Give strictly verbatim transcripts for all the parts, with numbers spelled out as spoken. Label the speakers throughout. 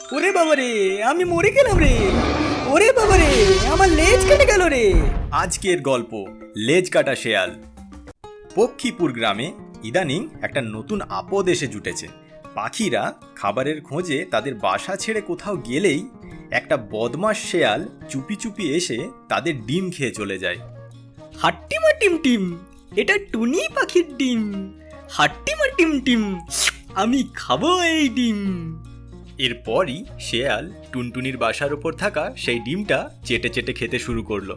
Speaker 1: ওরে বাবা রে, আমি মরে গেলাম রে। ওরে বাবা রে, আমার লেজ কেটে গেল রে।
Speaker 2: আজকের গল্প লেজ কাটা শেয়াল। পক্ষীপুর গ্রামে ইদানিং একটা নতুন আপদ এসে জুটেছে। পাখিরা খাবারের খোঁজে তাদের বাসা ছেড়ে কোথাও গেলেই একটা বদমাশ শেয়াল চুপি চুপি এসে তাদের ডিম খেয়ে চলে যায়।
Speaker 1: হাট্টিমা টিম টিম, এটা টুনি পাখির ডিম। হাট্টিমা টিম টিম, আমি খাবো এই ডিম।
Speaker 2: এরপরই শেয়াল টুনটুনির বাসার ওপর থাকা সেই ডিমটা চেটে চেটে খেতে শুরু করলো।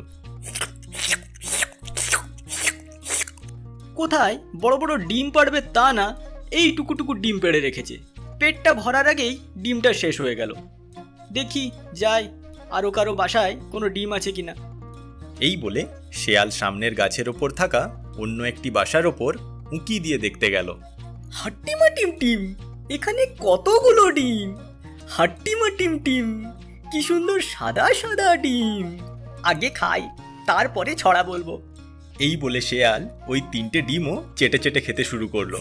Speaker 1: কোথায় বড় বড় ডিম পাড়বে তা না, এই টুকুটুকু ডিম পেড়ে রেখেছে। পেটটা ভরার আগেই ডিমটা শেষ হয়ে গেল। দেখি যাই, আরও কারো বাসায় কোনো ডিম আছে কিনা।
Speaker 2: এই বলে শেয়াল সামনের গাছের ওপর থাকা অন্য একটি বাসার ওপর উঁকি দিয়ে দেখতে গেল।
Speaker 1: হাট্টিমা টিম টিম, এখানে কতগুলো ডিম। হাট্টিমা টিম টিম, কি সুন্দর সাদা সাদা ডিম। আগে খাই, তারপরে ছড়া বলবো।
Speaker 2: এই বলে শেয়াল ওই তিনটে ডিমও চেটে চেটে খেতে শুরু করলো।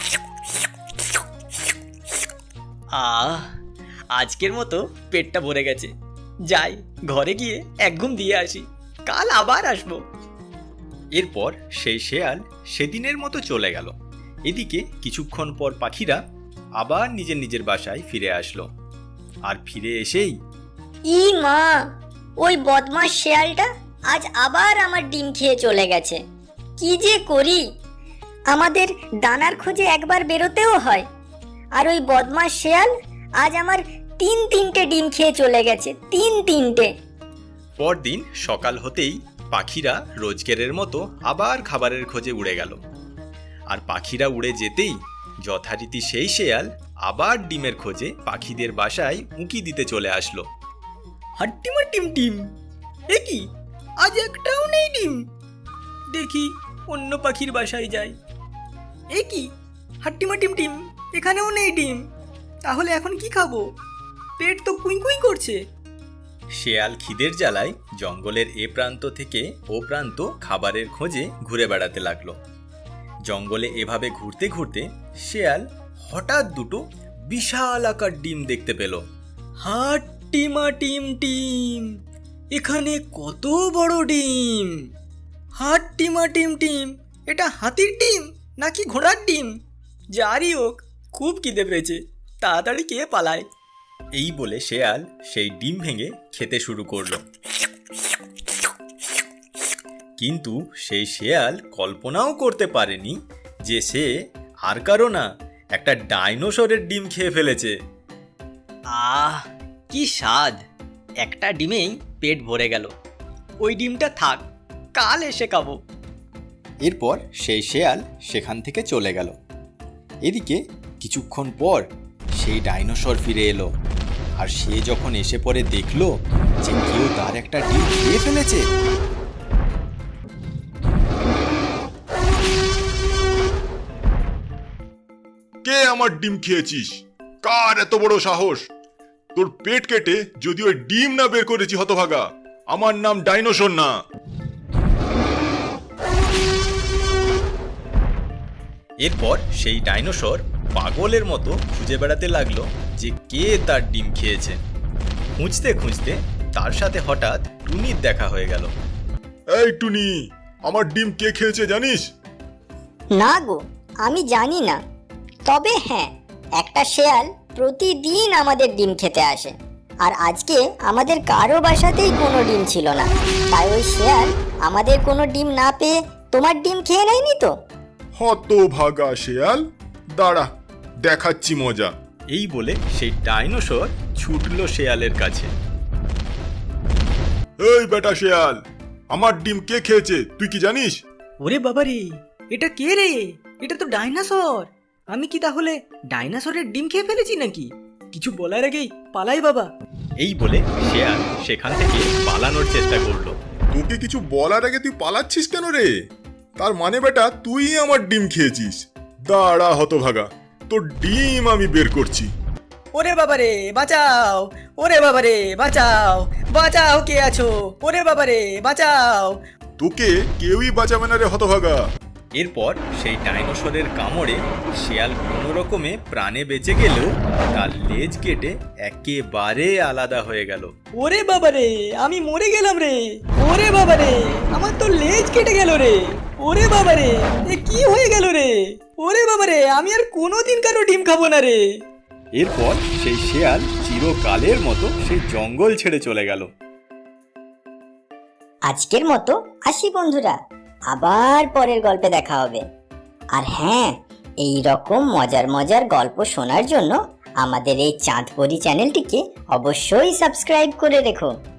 Speaker 1: আহ, আজকের মতো পেটটা ভরে গেছে। যাই, ঘরে গিয়ে এক ঘুম দিয়ে আসি, কাল আবার আসবো।
Speaker 2: এরপর সেই শেয়াল সেদিনের মতো চলে গেল। এদিকে কিছুক্ষণ পর পাখিরা আবার নিজের নিজের বাসায় ফিরে আসলো। আর ফিরে এসেই
Speaker 3: ই মা, ওই বদমাস শেয়ালটা আজ আবার আমার ডিম খেয়ে চলে গেছে। কি যে করি, আমাদের দানার খোঁজে একবার বেরোতেও হয়, আর ওই বদমাস শেয়াল আজ আমার তিন তিনটে ডিম খেয়ে চলে গেছে। তিন তিনটে।
Speaker 2: পরদিন সকাল হতেই পাখিরা রোজগেরের মতো আবার খাবারের খোঁজে উড়ে গেল। আর পাখিরা উড়ে যেতেই যথারীতি সেই শেয়াল আবার ডিমের খোঁজে পাখিদের বাসায় উঁকি দিতে চলে আসলো।
Speaker 1: হাট্টিমা টিম টিম, এ কি, আজ একটাও নেই ডিম। দেখি অন্য পাখির বাসায় যাই। এ কি, হাট্টিমা টিম টিম, এখানেও নেই ডিম। তাহলে এখন কি খাবো? পেট তো কুই কুই করছে।
Speaker 2: শেয়াল খিদের জ্বালায় জঙ্গলের এ প্রান্ত থেকে ও প্রান্ত খাবারের খোঁজে ঘুরে বেড়াতে লাগলো। জঙ্গলে এভাবে ঘুরতে ঘুরতে শেয়াল হঠাৎ দুটো বিশাল আকার ডিম দেখতে পেল।
Speaker 1: হাট্টিমা টিম টিম, এখানে কত বড় ডিম। হাট্টিমা টিম টিম, এটা হাতির ডিম নাকি ঘোড়ার ডিম? যারই হোক, খুব খিদে পেয়েছে, তাড়াতাড়ি কে পালায়।
Speaker 2: এই বলে শেয়াল সেই ডিম ভেঙে খেতে শুরু করলো। কিন্তু সেই শেয়াল কল্পনাও করতে পারেনি যে সে আর কারো না, একটা ডাইনোসরের ডিম খেয়ে ফেলেছে।
Speaker 1: আহ, কি স্বাদ! একটা ডিমেই পেট ভরে গেল। ওই ডিমটা থাক, কাল এসে খাবো।
Speaker 2: এরপর সেই শেয়াল সেখান থেকে চলে গেল। এদিকে কিছুক্ষণ পর সেই ডাইনোসর ফিরে এলো। আর সে যখন এসে পরে দেখলো যে কেউ তার একটা ডিম খেয়ে ফেলেছে।
Speaker 4: কে আমার ডিম খেয়েছিস? কার এত বড় সাহস? তোর পেট কেটে যদি ওই ডিম না বের করেছি হতভাগা, আমার নাম ডাইনোসর না।
Speaker 2: এরপর সেই ডাইনোসর পাগলের মতো খুঁজে বেড়াতে লাগলো যে কে তার ডিম খেয়েছে। খুঁজতে খুঁজতে তার সাথে হঠাৎ টুনির দেখা হয়ে গেল।
Speaker 4: এই টুনি, আমার ডিম কে খেয়েছে জানিস?
Speaker 3: না গো, আমি জানি না। তবে হ্যাঁ, একটা শেয়াল প্রতিদিন আমাদের ডিম খেতে আসে, আর আজকে আমাদের কারো বাসাতেই কোনো ডিম ছিল না। তাই ওই শেয়াল আমাদের কোনো ডিম না পেয়ে তোমার ডিম খেয়ে নেয়নি তো?
Speaker 4: হতভাগা শেয়াল, দাঁড়া, দেখাচ্ছি মজা।
Speaker 2: এই বলে সেই ডাইনোসর ছুটলো শেয়ালের কাছে।
Speaker 4: এই বেটা শেয়াল, আমার ডিম কে খেয়েছে তুই কি জানিস?
Speaker 1: ওরে বাবারে, এটা কে রে? এটা তো ডাইনোসর। আমি কি তাহলে ডাইনোসরের ডিম খেয়ে ফেলেছি নাকি? কিছু বলার আগেই পালাই বাবা।
Speaker 2: এই বলে শেয়াল সেখান থেকে পালানোর চেষ্টা করলো।
Speaker 4: তোকে কিছু বলার আগে তুই পালাচ্ছিস কেন রে? তার মানে বেটা তুই আমার ডিম খেয়েছিস। দাঁড়া হতভাগা, তোর ডিম আমি বের করছি।
Speaker 1: ওরে বাবারে বাঁচাও! ওরে বাবারে বাঁচাও! বাঁচাও, কে আছো? ওরে বাবারে বাঁচাও!
Speaker 4: তোকে কেউই বাঁচাবে না রে হতভাগা।
Speaker 2: এরপর সেই ডাইনোসরের কামড়ে শেয়াল কোনো রকমে প্রাণে বেঁচে গেলেও তার লেজ কেটে একেবারে আলাদা হয়ে গেল।
Speaker 1: ওরে বাবারে, আমি মরে গেলাম রে। ওরে বাবারে, আমার তো লেজ কেটে গেল রে। ওরে বাবারে, এ কি হয়ে গেল রে। ওরে বাবারে, আমি আর কোনোদিন কারো ডিম খাবো না রে।
Speaker 2: এরপর সেই শেয়াল চিরকালের মতো সেই জঙ্গল ছেড়ে চলে গেল।
Speaker 3: আজকের মতো আসি বন্ধুরা, আবার পরের গল্পে দেখা হবে। আর হ্যাঁ, এই রকম মজার মজার গল্প শোনার জন্য আমাদের এই চাঁদপরি চ্যানেলটিকে অবশ্যই সাবস্ক্রাইব করে রেখো।